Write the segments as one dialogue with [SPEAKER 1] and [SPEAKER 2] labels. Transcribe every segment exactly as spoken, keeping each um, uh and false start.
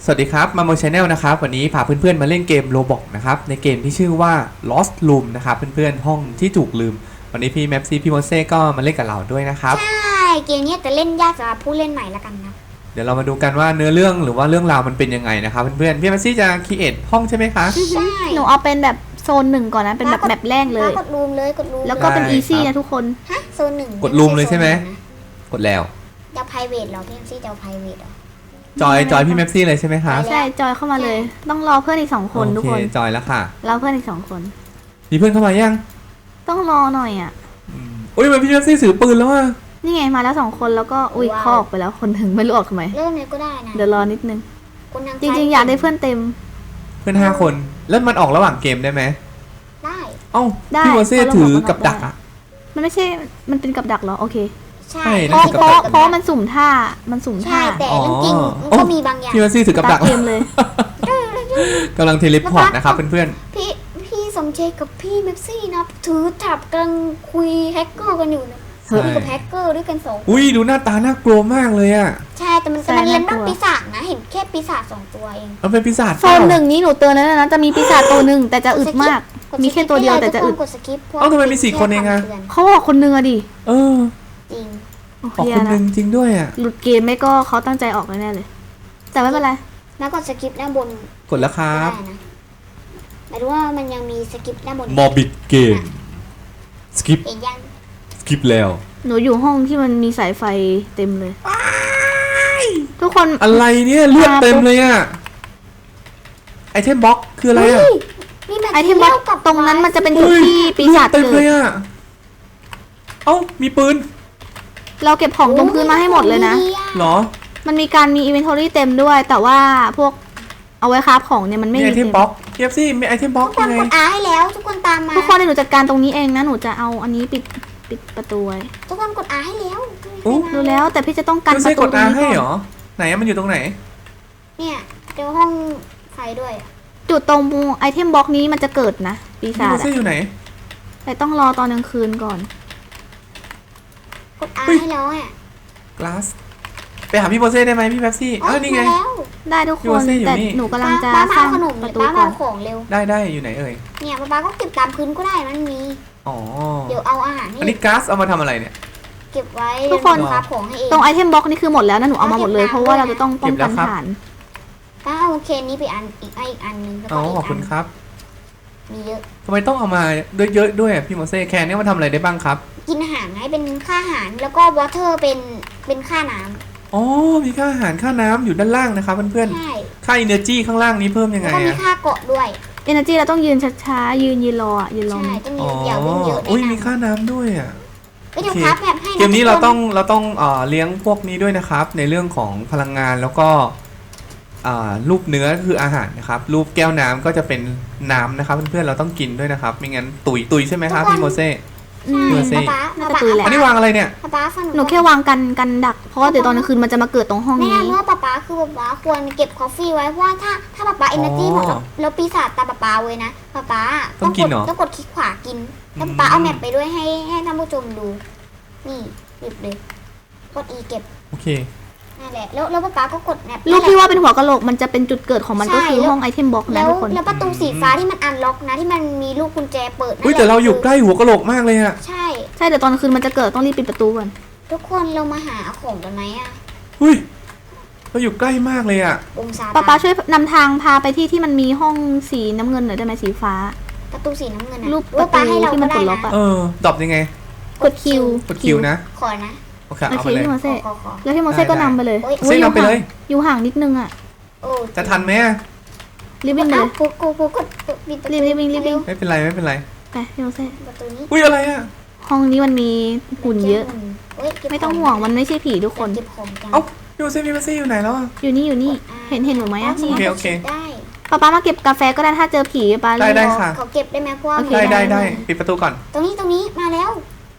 [SPEAKER 1] วัสดีครับมาโมชาแนลนะครับวันนี้พาเพื่อนๆมาเล่นเกมโรบอกนะครับในเกมที่ชื่อว่า Lost Room นะครับเพื่อนๆห้องที่ถูกลืมวันนี้พี่แมปซี่พี่โมเซ่ก็มาเล่นกับเราด้วยนะครับ
[SPEAKER 2] ใช่เกมนี้จะเล่นยากสำหรับผู้เล่นใหม่ละกันนะ
[SPEAKER 1] เดี๋ยวเรามาดูกันว่าเนื้อเรื่องหรือว่าเรื่องราวมันเป็นยังไงนะครับเพื่อนๆพี่แมปซี่จะคิดเอทห้องใช่ไหมคะ
[SPEAKER 2] ใช่
[SPEAKER 3] หนูเอาเป็นแบบโซนหนึ่งก่อนนะเป็นแบบแบบแรกเลย
[SPEAKER 2] กดรูมเลยกดรูม
[SPEAKER 3] แล้วก็เป็นอีซี่นะทุกคน
[SPEAKER 2] ฮะโซนหนึ่ง
[SPEAKER 1] กดรูมเลยใช่ไหมกดแล้ว
[SPEAKER 2] จะ private หรอพี่แมปซี่จะ private หรอ
[SPEAKER 1] จอยจอยพี่แมปซี่เลยใช่ไหมคะ
[SPEAKER 3] ใช่จอยเข้ามาเลยต้องรอเพื่อนอีกสองคนทุกคน
[SPEAKER 1] จอยแล้วค่ะ
[SPEAKER 3] รอเพื่อนอีกสองคน
[SPEAKER 1] มีเพื่อนเข้ามายัง
[SPEAKER 3] ต้องรอหน่อยอ่ะ
[SPEAKER 1] อุ้ยมันพี่แมปซี่ถือปืนแล้วอ่ะ
[SPEAKER 3] นี่ไงมาแล้วสองคนแล้วก็อุ้ยคอกไปแล้วคนถึงไม่รู้ออกทำไม
[SPEAKER 2] เริ่มเลยก็ได้นะ
[SPEAKER 3] เดี๋ยวรอนิดนึงจริงๆอยากได้เพื่อนเต็ม
[SPEAKER 1] เพื่อนห้าคนแล้วมันออกระหว่างเกมได้ไหม
[SPEAKER 2] ได้
[SPEAKER 1] เอ้าพี่โมเซ่ถือกับดักอ่ะ
[SPEAKER 3] มันไม่ใช่มันเป็นกับดักเหรอโอเค
[SPEAKER 2] ใช่
[SPEAKER 3] เพราะเพราะเพราะมันสุ่มท่ามันสุ่มท่า
[SPEAKER 2] ใช่แต่เรื่องจริงมันก็มีบางอย่าง
[SPEAKER 1] พี่โมเซ่ถือกับดัก
[SPEAKER 3] เกมเลย
[SPEAKER 1] กำลังเทเลพอร์ตนะครับเพื่อน
[SPEAKER 2] ๆพี่พี่สมเจกับพี่แมปซี่นะถือถับกำลังคุยแฮกเกอร์กันอยู่นะคุยกับแฮกเกอร์ด้วยกันสอง
[SPEAKER 1] อุ้ยดูหน้าตาน่ากลัวมากเลยอ่ะ
[SPEAKER 2] ใช่แต่มันแต่มันเล่นนอกปีศาจนะเห็นแค่ปีศาจสองตัวเอง
[SPEAKER 1] เอาเป็นปีศาจ
[SPEAKER 3] โซนหนึ่งนี้หนูเตือนแล้วนะจะมีปีศาจตัวหนึ่งแต่จะอึดมากมีแค่ตัวเดียวแต่จะอึด
[SPEAKER 1] เอ้าทำไมมีสี่คนเองอะ
[SPEAKER 3] เขาบอกคนนึงอะดิ
[SPEAKER 1] เออ
[SPEAKER 2] จริง
[SPEAKER 1] ออกคนนึงจริงด้วยอะ
[SPEAKER 3] หลุดเกมไม่ก็เขาตั้งใจออกแน่เลยแต่ไม่เป็นไร
[SPEAKER 2] แล้วกดสกิปด้านบน
[SPEAKER 1] กดแล้วครับ
[SPEAKER 2] หมายถึงว่ามันยังมีสกิปด้านบน
[SPEAKER 1] มอบิดเกมสกิป
[SPEAKER 2] เห็นยัง
[SPEAKER 1] สกิปแล้ว
[SPEAKER 3] หนูอยู่ห้องที่มันมีสายไฟเต็มเลยทุกคน
[SPEAKER 1] อะไรเนี่ยเลือดเต็มเลยอะไอเทมบ็อกคืออะไรอะ
[SPEAKER 3] ไอเทมบ็อกตรงนั้นมันจะเป็นจุดที่ปีศาจเกิด
[SPEAKER 1] เลยอะเอ้ามีปืน
[SPEAKER 3] เราเก็บของตรงพื้นมาให้หมดเลยนะ
[SPEAKER 1] หรอ
[SPEAKER 3] มันมีการมีอินเวนทอรี่เต็มด้วยแต่ว่าพวกเอาไว้คราฟของเนี่ยมันไม่มี
[SPEAKER 1] ไอเทมบ็อกเทียบสิมีไอเทมบ็อก
[SPEAKER 2] ยังไงทุกคนกดอาให้แล้วทุกคนตามมา
[SPEAKER 3] ทุกคนหนูจัดการตรงนี้เองนะหนูจะเอาอันนี้ปิดปิดประตูไว้
[SPEAKER 2] ทุกคนกดอาให้แล้ว
[SPEAKER 3] ดูแล้วแต่พี่จะต้องกัน
[SPEAKER 1] ประตูตรงนี้ก่อนให้เหรอไหนมันอยู่ตรงไหน
[SPEAKER 2] เนี่ยเจอห้องไฟด้วย
[SPEAKER 3] จุดตรงไอเทมบ็อกนี้มันจะเกิดนะปีศาจ
[SPEAKER 1] อะอยู่ไหน
[SPEAKER 3] แต่ต้องรอตอนกลางคืนก่อน
[SPEAKER 2] กดอาให้แล้วอ่ะ
[SPEAKER 1] กลาสไปหาพี่โมเซ่ได้ไหมพี่แป๊บซี่อ้าวนี่ไง
[SPEAKER 3] ได้ทุกคนแต่หนูกำลังจะสร้างประตูก่อน
[SPEAKER 1] ได้ได้อยู่ไหนเอ่ย
[SPEAKER 2] เนี่ยป้าป้าก็เก็บตามพื้นก็ได้มันมี
[SPEAKER 1] อ๋อ
[SPEAKER 2] เดี๋ยวเอาอาหาร
[SPEAKER 1] อันนี้ก๊าซเอามาทำอะไรเนี่ย
[SPEAKER 2] เก็บไว้
[SPEAKER 3] ทุกคนตรงไอเทมบ็อกนี่คือหมดแล้วนะหนูเอามาหมดเลยเพราะว่าเราจะต้องป้องกันฐาน
[SPEAKER 2] ป้าเอาเคนนี้ไปอันอีกอีกอันนึงแล้วก็อีกอัน
[SPEAKER 1] ขอบคุณครับ
[SPEAKER 2] มีเยอะ
[SPEAKER 1] ทำไมต้องเอามาเยอะๆด้วยพี่โมเซ่แคนนี่มันทำอะไรได้บ้างครับ
[SPEAKER 2] กินอาหารให้เป็นค่าอาหารแล้วก็วอเตอร์เป็นเป็นค่าน้ำ
[SPEAKER 1] อ๋อมีค่าอาหารค่าน้ำอยู่ด้านล่างนะครับเพื่อนๆค่า energy ข้างล่างนี้เพิ่มยังไง
[SPEAKER 2] ก็มีค่าเกาะด้วย
[SPEAKER 3] energy เราต้องยืนช้าๆยืนยืนรอยืนรอ
[SPEAKER 2] ใช่ต้องยืนยาวเยอะ
[SPEAKER 1] อุ้ยมีค่าน้ำด้วยอ่ะ
[SPEAKER 2] เดี๋ยวครับแบบให้
[SPEAKER 1] เกมนี้เราต้องเราต้องเอ่อเลี้ยงพวกนี้ด้วยนะครับในเรื่องของพลังงานแล้วก็รูปเนื้อคืออาหารนะครับรูปแก้วน้ำก็จะเป็นน้ำนะครับเพื่อนๆเราต้องกินด้วยนะครับไม่งั้นตุยตุยใช่ไหมครับพี่โมเซ่
[SPEAKER 2] พี่โมเซ่
[SPEAKER 3] น่าจะตุยแหละ
[SPEAKER 1] อันนี้วางอะไรเนี่ย
[SPEAKER 3] หนูแค่วางกันกันดักเพราะว่าเดี๋ยวตอนกลางคืนมันจะมาเกิดตรงห้องนี้
[SPEAKER 2] แม่เมื่อป๊าป๊าคือป๊าป๊าควรเก็บกาแฟไว้เพราะว่าถ้าถ้าป๊าป๊าเอเนอร์จีหมดแล้วปีศาจตาป๊าป๊าเว้ยนะป๊าป๊า
[SPEAKER 1] ต้องกินเหรอ
[SPEAKER 2] ต้องกดคลิกขวากินแล้วป๊าเอาแมปไปด้วยให้ให้ท่านผู้ชมดูนี่หยิบเลยกด E เก็บ
[SPEAKER 1] โอเค
[SPEAKER 2] นั่นแหละแล้วแล้วป๊าก็กดแมป
[SPEAKER 3] รูปที่ว่าเป็นหัวกะโหลกมันจะเป็นจุดเกิดของมันก็คือห้องไอเทมบ็อกนะทุกคน
[SPEAKER 2] แล้วประตูสีฟ้าที่มันอันล็อกนะที่มันมีลูกกุญแจเปิด
[SPEAKER 1] อุ้ยแต่เราอยู่ใกล้หัวกะโหลกมากเลยอะ
[SPEAKER 2] ใช่
[SPEAKER 3] ใช่เดี๋ยวตอนคืนมันจะเกิดต้องรีบปิดประตูก่อน
[SPEAKER 2] ทุกคนเรามาหาของกันไหมอะ
[SPEAKER 1] อุ้ยเราอยู่ใกล้มากเลยอะ
[SPEAKER 3] ป๊าป๊าช่วยนำทางพาไปที่ที่มันมีห้องสีน้ำเงินหน่อยได้ไหมสีฟ้า
[SPEAKER 2] ประตูสีน้ำเงิน
[SPEAKER 3] รูปประตูที่มันกดล็อกอะ
[SPEAKER 1] เออดรอปยังไง
[SPEAKER 3] กดคิว
[SPEAKER 1] กดคิวนะ
[SPEAKER 2] ขอนะ
[SPEAKER 1] โอเคเอาไปเลย
[SPEAKER 3] พี่โมเซ่แล้วพี่โมเซ่ก็นำไปเลย
[SPEAKER 1] เซ่นำไปเลย
[SPEAKER 3] อยู่ห่างนิดนึงอ่ะ
[SPEAKER 1] จะทันไหม
[SPEAKER 3] รีบวิ่งเลย
[SPEAKER 2] กูกูกูกด
[SPEAKER 3] รีบรีบวิ่งรีบวิ่ง
[SPEAKER 1] ไม่เป็นไรไม่เป็นไร
[SPEAKER 3] ไปพี่โมเซ่
[SPEAKER 2] ประตูนี้
[SPEAKER 1] อุ้ยอะไรอ่ะ
[SPEAKER 3] ห้องนี้มันมีหุ่นเยอะไม่ต้องห่วงมันไม่ใช่ผีทุกคน
[SPEAKER 1] เอ้าพี่โมเซ่พี่โมเซ่อยู่ไหนแล้ว
[SPEAKER 3] อยู่นี่อยู่นี่เห็นเห็นหนูไหมอ่ะ
[SPEAKER 1] โอเคโอเค
[SPEAKER 2] ได้
[SPEAKER 3] ป้าป้ามาเก็บกาแฟก็ได้ถ้าเจอผีป้า
[SPEAKER 1] ได้ได้ค่ะ
[SPEAKER 2] เขาเก็บได้ไหมพวก
[SPEAKER 1] ได้ได้ได้ปิดประตูก่อน
[SPEAKER 2] ตรงนี้ตรงนี้มาแล้ว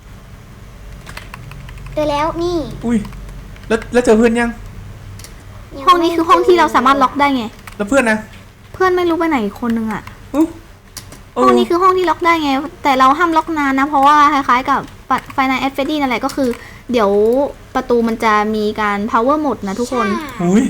[SPEAKER 2] เจอแล้วนี่
[SPEAKER 1] อุ้ยแล้วแล้วเจอเพื่อนยัง
[SPEAKER 3] ห้องนี้คือห้องที่เราสามารถล็อกได้ไง
[SPEAKER 1] แล้วเพื่อนนะ
[SPEAKER 3] เพื่อนไม่รู้ไปไหนคนนึงอ่ะห้องนี้คือห้องที่ล็อกได้ไงแต่เราห้ามล็อกนานนะเพราะว่าคล้ายๆกับไฟในแอดเฟดดี้นั่นแหละก็คือเดี๋ยวประตูมันจะมีการ power หมดนะทุกคน
[SPEAKER 1] อุ้ย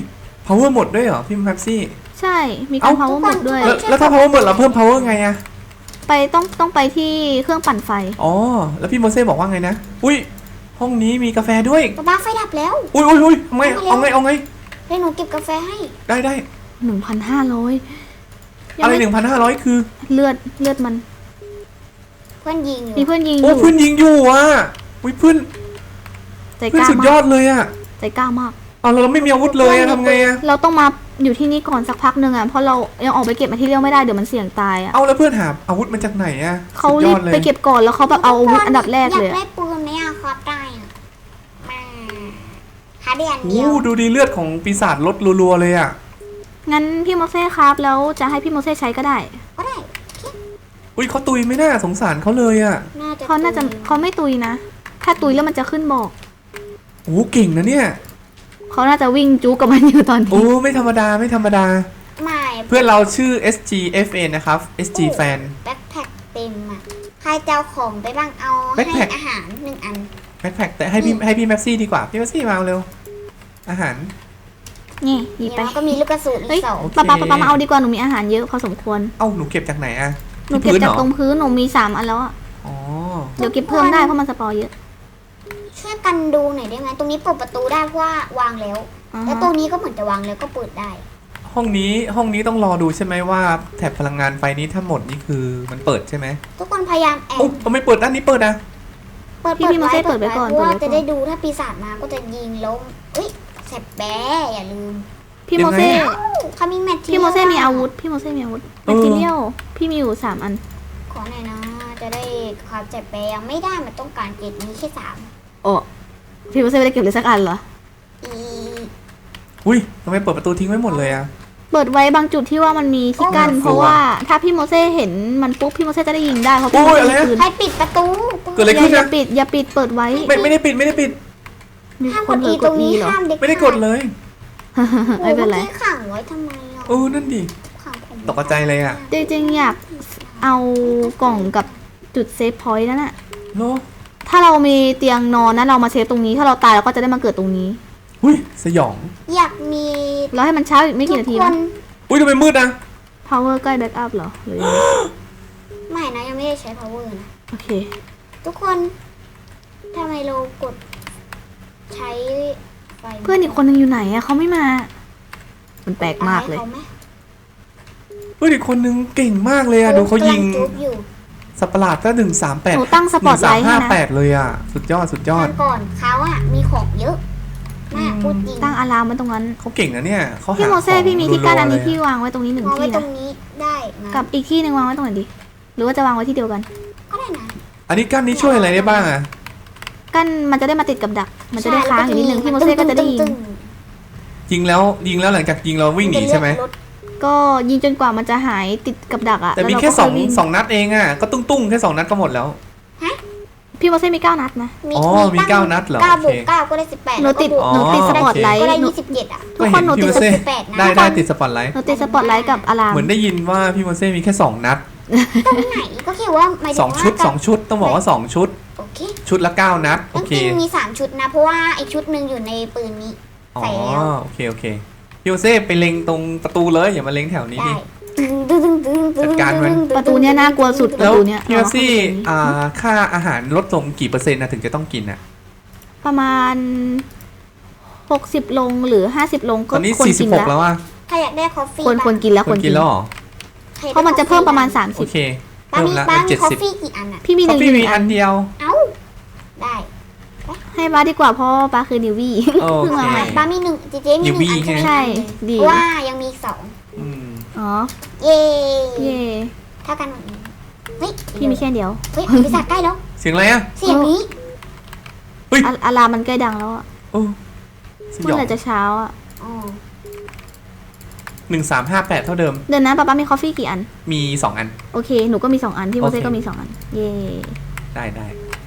[SPEAKER 1] power หมดด้วยเหรอพี่แม็กซี่
[SPEAKER 3] ใช่ มีการ
[SPEAKER 1] เอ้า
[SPEAKER 3] power หมดด้วย
[SPEAKER 1] แล้วแล้วถ้า power หมดเราเพิ่ม power ไงอะ
[SPEAKER 3] ไปต้องต้องไปที่เครื่องปั่นไฟ
[SPEAKER 1] อ๋อแล้วพี่โมเซ่บอกว่าไงนะอุ้ยห้องนี้มีกาแฟด้วย
[SPEAKER 2] ป๊าป๊าไฟดับแล้ว
[SPEAKER 1] อุ้ยอุ้ยอุ้ยเอาไงเอาไงเอาไง
[SPEAKER 2] เดี๋ยวหนูเก็บกาแฟให้
[SPEAKER 1] ได้ได้
[SPEAKER 3] หนึ่งพันห้าร้อย
[SPEAKER 1] อะไรหนึ่งพันห้าร้อยคือ
[SPEAKER 3] เลือดเลือดมัน
[SPEAKER 2] เพื่อนยิงอยู่
[SPEAKER 3] มีเพื่อนยิงอ
[SPEAKER 1] โอ้
[SPEAKER 3] ยู่
[SPEAKER 1] เพื่อนยิงอยู่อ่ะอุ้ยเพื่อน
[SPEAKER 3] ใจ
[SPEAKER 1] เพื่
[SPEAKER 3] ก
[SPEAKER 1] อน
[SPEAKER 3] ล้า
[SPEAKER 1] สุดย
[SPEAKER 3] มา
[SPEAKER 1] อก ดเลยอ่ะ
[SPEAKER 3] ใจกล้ามาก
[SPEAKER 1] เอาแล้วเราไม่มีอาวุธเลยอะทำไงอะ
[SPEAKER 3] เราต้องมาอยู่ที่นี่ก่อนสักพักหนึ่งอ่ะ เพราะเรายังออกไปเก็บมาที่เรียวไม่ได้เดี๋ยวมันเสี่ยงตายอ่ะ
[SPEAKER 1] เอาแล้วเพื่อนหาอาวุธมาจากไหนอะ
[SPEAKER 3] เขา
[SPEAKER 1] สุดย
[SPEAKER 3] รี
[SPEAKER 1] อบ ดเลย
[SPEAKER 3] ไปเก็บก่อนแล้วเขาแบบเอาอาวุธอันดับแรกเลย
[SPEAKER 2] อยาก
[SPEAKER 3] อะ
[SPEAKER 2] ได้ปืนไหมอะครับได้อะมาหาเดียนเดี
[SPEAKER 1] โอ้
[SPEAKER 2] ยว
[SPEAKER 1] ดูดีเลือดของปีศาจลดรัวๆเลยอะ
[SPEAKER 3] งั้นพี่โมเซ่ครับแล้วจะให้พี่โมเซ่ใช้ก็ได้
[SPEAKER 2] ก็ได้
[SPEAKER 1] อุ้ยเขาตุยไม่น่าสงสารเขาเลยอะ
[SPEAKER 2] น่าจะ
[SPEAKER 3] เขาน่าจะเขาไม่ตุยนะ ถ้าตุยแล้วมันจะขึ้นบอก
[SPEAKER 1] โอ้เก่งนะเนี่ย
[SPEAKER 3] เขาน่าจะวิ่งจู๊กับมันอยู่ตอน
[SPEAKER 1] โอ้
[SPEAKER 3] นี้
[SPEAKER 1] ไม่ธรรมดาไม่ธรรมดา
[SPEAKER 2] ไม่
[SPEAKER 1] เพื่อนเราชื่อ เอส จี เอฟ เอ็น นะครับ เอส จี Fan
[SPEAKER 2] แบ็คแพ็คเต็มอะใครจะเอาของไปบ้างเอาให้
[SPEAKER 1] Backpack
[SPEAKER 2] อาหารหนึ่งอัน
[SPEAKER 1] แบ็คแพ็คแต่ให้พี่ให้พี่แม็กซี่ดีกว่าพี่แม็กซี่มาเอาเร็วอาหาร
[SPEAKER 3] นี่หยิบไป
[SPEAKER 2] แล้วก็มีลูกกระสุนอี
[SPEAKER 3] เฮ้ย
[SPEAKER 2] กสอง
[SPEAKER 1] โอเค
[SPEAKER 3] ป๊าป๊าป๊าป๊ามาเอาดีกว่าหนูมีอาหารเยอะพอสมควร
[SPEAKER 1] เอ้าหนูเก็บจากไหนอะ
[SPEAKER 3] หนู
[SPEAKER 1] ที่
[SPEAKER 3] เก็บ
[SPEAKER 1] พื้นเห
[SPEAKER 3] จาก
[SPEAKER 1] รอ
[SPEAKER 3] ตรงพื้นหนูมีสามอันแล้วอ่ะ
[SPEAKER 1] อ๋อ
[SPEAKER 3] เดี๋ยวเก็บเพิ่มได้เพราะมันสปอร์เยอะ
[SPEAKER 2] ช่วยกันดูหน่อยได้ไหมตรงนี้เปิดประตูได้เพราะว่าวางแล้ว
[SPEAKER 3] อ่า
[SPEAKER 2] แล้ว
[SPEAKER 3] ฮะ
[SPEAKER 2] ตัวนี้ก็เหมือนจะวางแล้วก็เปิดได้
[SPEAKER 1] ห้องนี้ห้องนี้ต้องรอดูใช่ไหมว่าแถบพลังงานไฟนี้ทั้งหมดนี่คือมันเปิดใช่ไหม
[SPEAKER 2] ทุกคนพยายามแอบ
[SPEAKER 1] โอ้ทำไมเปิดด้านนี้เปิดอะ
[SPEAKER 2] เปิด
[SPEAKER 3] พี่พี่โมเซ่เปิดไว้ก่อน
[SPEAKER 2] เพราะว่า
[SPEAKER 3] เปิดไว้ก่อน
[SPEAKER 2] จะได้ดูถ้าปีศาจมาก็จะยิงแล้วเอ้ยแสบแบะอย่าลืม
[SPEAKER 3] พี่โมเซ่
[SPEAKER 2] เขามีแมท
[SPEAKER 3] พี่โมเซ่มีอาวุธพี่โมเซ่มีอาวุธแมทเทียลพี่มีอยู่สามอัน
[SPEAKER 2] ขอหน่อยนะ จะได้ความแสบแบะยังไม่ได้มันต้องการเกรดนี้แค่สาม
[SPEAKER 3] โอ้พี่โมเซ่ไม่ได้เก็บเลยสักอันเหรอ
[SPEAKER 2] อี
[SPEAKER 1] อุ้ยทำไมเปิดประตูทิ้งไว้หมดเลยอะ
[SPEAKER 3] เปิดไว้บางจุดที่ว่ามันมีที่กั้น
[SPEAKER 1] โอ้
[SPEAKER 3] เพราะว่าถ้าพี่โมเซ่เห็นมันปุ๊บพี่โมเซ่จะได้ยิงได้เพราะพี่
[SPEAKER 1] โอ้
[SPEAKER 3] โม
[SPEAKER 1] ย
[SPEAKER 3] เซ่
[SPEAKER 1] อะไร
[SPEAKER 3] มี
[SPEAKER 1] อะ
[SPEAKER 3] ปืน
[SPEAKER 2] ใครปิดประตู
[SPEAKER 1] เกิดอะไร
[SPEAKER 3] อย่า
[SPEAKER 1] ขึ้น
[SPEAKER 3] อย่า
[SPEAKER 1] นะ
[SPEAKER 3] ปิดอย่าปิดเปิดไว้
[SPEAKER 1] ไม่ไม่ได้ปิดไม่ได้ปิด
[SPEAKER 3] มี
[SPEAKER 2] ห้าม
[SPEAKER 3] ค
[SPEAKER 2] ก
[SPEAKER 3] น
[SPEAKER 2] ด
[SPEAKER 3] เผล
[SPEAKER 2] อี
[SPEAKER 3] อก
[SPEAKER 2] ตร
[SPEAKER 3] ด
[SPEAKER 2] ง
[SPEAKER 3] อี
[SPEAKER 2] นี้
[SPEAKER 3] เหรอ
[SPEAKER 2] ห้ามเด็ก
[SPEAKER 1] ไม่ได้กดเลย
[SPEAKER 3] ไม่เป็นไร
[SPEAKER 2] โอ้โหมื่อกี้ขังไว้ทำไมอ่ะ
[SPEAKER 1] เออนั่นดิ
[SPEAKER 2] ขังผม
[SPEAKER 1] ตกใจเลยอะ
[SPEAKER 3] จริงๆอยากเอากล่องกับจุดเซฟพอยต์นั่นแหละ
[SPEAKER 1] โล
[SPEAKER 3] ถ้าเรามีเตียงนอนนะเรามาเซฟตรงนี้ ถ้าเราตายเราก็จะได้มาเกิดตรงนี้
[SPEAKER 1] อุ้ยสยอง
[SPEAKER 2] อยากมี
[SPEAKER 3] เราให้มันเช้าอีกไม่กี่นาที
[SPEAKER 2] ทุกค
[SPEAKER 3] มั้
[SPEAKER 2] น
[SPEAKER 3] ย
[SPEAKER 1] อุ้ยทำไมมืดอะ
[SPEAKER 3] power ใกล้ back up เหรอหรือยังไง
[SPEAKER 2] ไม่นะยังไม่ได้ใช้ power นะ
[SPEAKER 3] โอเค
[SPEAKER 2] ทุกคนทำไมเรากดใช้ไฟ
[SPEAKER 3] เพื่อนอีกคนนึงอยู่ไหนอะเขาไม่มา มันแปลกมากเลย
[SPEAKER 2] อให้ขไห
[SPEAKER 1] เฮ้ยอีกคนนึงเก่งมากเลยอะดูเขายิง
[SPEAKER 2] กำลัจุ๊บอยู่
[SPEAKER 1] สัตว์ประหลาดก็หนึ่งสามแปด
[SPEAKER 3] หนูตั้งสปอตไลท์ให้
[SPEAKER 1] ห้า
[SPEAKER 3] นะ
[SPEAKER 1] แปดเลยอะสุดยอดสุดยอด
[SPEAKER 2] ตอนก่อนเขาอะมีของเยอะมากพูดจริง
[SPEAKER 3] ตั้งอะลามไว้ตรงนั้น
[SPEAKER 1] เขาเก่งนะเนี่ยเขาหา
[SPEAKER 3] พี่โมเซ่
[SPEAKER 1] ของ
[SPEAKER 3] พี่มีที่กั้นอันนี้
[SPEAKER 1] รัวๆ
[SPEAKER 3] พี่
[SPEAKER 1] เลยะ
[SPEAKER 3] วางไว้ตรงนี้หนึ่ง
[SPEAKER 2] มองไว้
[SPEAKER 3] ที่
[SPEAKER 2] ตร
[SPEAKER 3] นะ
[SPEAKER 2] งนี้ได้นะ
[SPEAKER 3] กับอีกที่หนึ่งวางไว้ตรงไหนดี หรือว่าจะวางไว้ที่เดียวกัน
[SPEAKER 2] ก็ได้นะ
[SPEAKER 1] อันนี้กั้นนี้ช่วยอะไรได้บ้างอะ
[SPEAKER 3] กั้นมันจะได้มาติดกับดัก มันจะได้ค้างอยู่นิดนึงพี่โมเซ่ก็จะได้ยิง
[SPEAKER 2] ตึ้ง
[SPEAKER 1] ยิงแล้วยิงแล้วหลังจากยิงเรา
[SPEAKER 2] ๆ
[SPEAKER 1] วิ่งหนีใช่ไหม
[SPEAKER 2] นจะเลือกรถ
[SPEAKER 3] ก็ยิงจนกว่ามันจะหายติดกับดักอะ
[SPEAKER 1] แต่มี
[SPEAKER 3] ล้วเรา
[SPEAKER 1] แค่
[SPEAKER 3] ก็
[SPEAKER 1] สอง
[SPEAKER 3] ยวิ่
[SPEAKER 1] สองนัดเองอะก็ตุ้งตุ้งๆแค่สองนัดก็หมดแล้ว
[SPEAKER 3] พี่โมเซ่มีเก้านัดนะ
[SPEAKER 1] อ๋อมีเก้านัดเหรอ
[SPEAKER 2] เก้า
[SPEAKER 1] โอเค
[SPEAKER 2] บวกเก้าก็ได้สิบแปด
[SPEAKER 3] หนูติด
[SPEAKER 2] แล้วก็บวก
[SPEAKER 3] หนูติดสปอตไลท์
[SPEAKER 2] ก็ได้
[SPEAKER 3] หนู
[SPEAKER 2] ยี่สิบเจ็ดอะ
[SPEAKER 3] ทุกคนหนูติด
[SPEAKER 1] ก็เห็พี่โมเซ่
[SPEAKER 2] สิบแปดนะ
[SPEAKER 1] ได้ได้ติดสปอตไลท์
[SPEAKER 3] หนูติดสปอตไลท์กับอะลาม
[SPEAKER 1] เหมือนได้ยินว่าพี่โมเซ่มีแค่สองนัด
[SPEAKER 2] ตรงไหนก็คือว่าหมายถึ
[SPEAKER 1] ส
[SPEAKER 2] ง
[SPEAKER 1] อง
[SPEAKER 2] ว่า
[SPEAKER 1] ชุดสองชุดต้องบอกว่าสองชุด
[SPEAKER 2] โอเค
[SPEAKER 1] ชุดละเก้านัดโอ
[SPEAKER 2] ต้อง
[SPEAKER 1] เค
[SPEAKER 2] จริงมีสามชุดนะ เพราะว่าไอชุดหนึ่งอยู่ในปืนนี้
[SPEAKER 1] อ๋อ
[SPEAKER 2] ใส่แล้ว
[SPEAKER 1] โอเคโอเคพี่โมเซ่ไปเล็งตรงประตูเลยอย่ามาเล็งแถวนี้
[SPEAKER 2] ได้
[SPEAKER 1] ดิ
[SPEAKER 2] ตึ้งตึ้งตึ้งตึ้ง
[SPEAKER 1] จัดการมัน
[SPEAKER 3] ประตูเนี้ยน่ากลัวสุด
[SPEAKER 1] แล้ว
[SPEAKER 3] ประตูเนี้ย
[SPEAKER 1] พี่โมเซ่
[SPEAKER 3] เอา
[SPEAKER 1] อ่าค่าอาหารลดลงกี่เปอร์เซ็นต์นะถึงจะต้องกินอะ
[SPEAKER 3] ประมาณหกสิบลงหรือห้าสิบลง
[SPEAKER 1] ต
[SPEAKER 3] ก็
[SPEAKER 1] อนนี้
[SPEAKER 3] ควร
[SPEAKER 1] สี่สิ
[SPEAKER 3] กิ
[SPEAKER 1] บ
[SPEAKER 3] น
[SPEAKER 1] หก
[SPEAKER 3] แล้ว
[SPEAKER 1] แล้วอะ
[SPEAKER 2] ใครอยากได้คอฟฟี่
[SPEAKER 3] ควรควรกินแล้ว
[SPEAKER 1] ค
[SPEAKER 3] ควร
[SPEAKER 1] น
[SPEAKER 3] กิ
[SPEAKER 1] กิ
[SPEAKER 3] น
[SPEAKER 1] นแล้วเหรอ
[SPEAKER 2] ใคอยากได้
[SPEAKER 3] เพราะมันจะเพิ่มประมาณสาม
[SPEAKER 1] โอ
[SPEAKER 3] สิบ
[SPEAKER 1] เค
[SPEAKER 2] ป้า
[SPEAKER 1] เพิ่ม
[SPEAKER 2] มี
[SPEAKER 1] ละ
[SPEAKER 2] ป้า
[SPEAKER 1] เป็น
[SPEAKER 2] มี
[SPEAKER 1] เจ็ด
[SPEAKER 2] คอฟ
[SPEAKER 1] สิบ
[SPEAKER 2] ฟี่กี่อันอะ
[SPEAKER 3] พี่มีห
[SPEAKER 1] คอ
[SPEAKER 3] นึ่
[SPEAKER 1] ฟ
[SPEAKER 3] ง
[SPEAKER 1] ฟี่
[SPEAKER 3] ห
[SPEAKER 1] มี
[SPEAKER 3] นึ่ง
[SPEAKER 1] อั
[SPEAKER 3] อั
[SPEAKER 1] น
[SPEAKER 3] น
[SPEAKER 1] เดียว
[SPEAKER 2] เอ้าได้
[SPEAKER 3] ให้ป้าดีกว่าเพราะป้าคือนิววี่
[SPEAKER 1] โอ
[SPEAKER 3] เพิ่ง
[SPEAKER 1] เค
[SPEAKER 3] มาใหม่
[SPEAKER 2] ป้ามีหนึ่งเจเจมีหนึ่ง
[SPEAKER 1] นิวบี้
[SPEAKER 2] อันใช่ไหม
[SPEAKER 3] ใช่ดี
[SPEAKER 2] เพราะว่ายังมีอีกสอง
[SPEAKER 1] อืม
[SPEAKER 3] อ๋อ
[SPEAKER 2] เย้
[SPEAKER 3] เย่
[SPEAKER 2] เท่ากันหมดเลยเฮ้ย
[SPEAKER 3] พี่มีแค่เดียว
[SPEAKER 2] เฮ้ยบริษัทใกล้แล้ว
[SPEAKER 1] เสียงอะไรอะ
[SPEAKER 2] เสียงนี้
[SPEAKER 3] อะอะลามมันใกล้ดังแล้วอะ
[SPEAKER 1] โอ้ส
[SPEAKER 3] เมื่
[SPEAKER 1] ย
[SPEAKER 3] อ
[SPEAKER 1] อง
[SPEAKER 3] ไหร่จะเช้าอะ
[SPEAKER 2] อ๋อ
[SPEAKER 1] หนึ่งสามห้าแปดเท่าเดิม
[SPEAKER 3] เดี๋ยวนะป้าป้ามีคอฟฟี่กี่อัน
[SPEAKER 1] มีสองอัน
[SPEAKER 3] โอเคหนูก็มีสองอันพี่โมเซ่
[SPEAKER 1] โอเค
[SPEAKER 3] ก็มีสองอันเย่
[SPEAKER 1] ได้ได้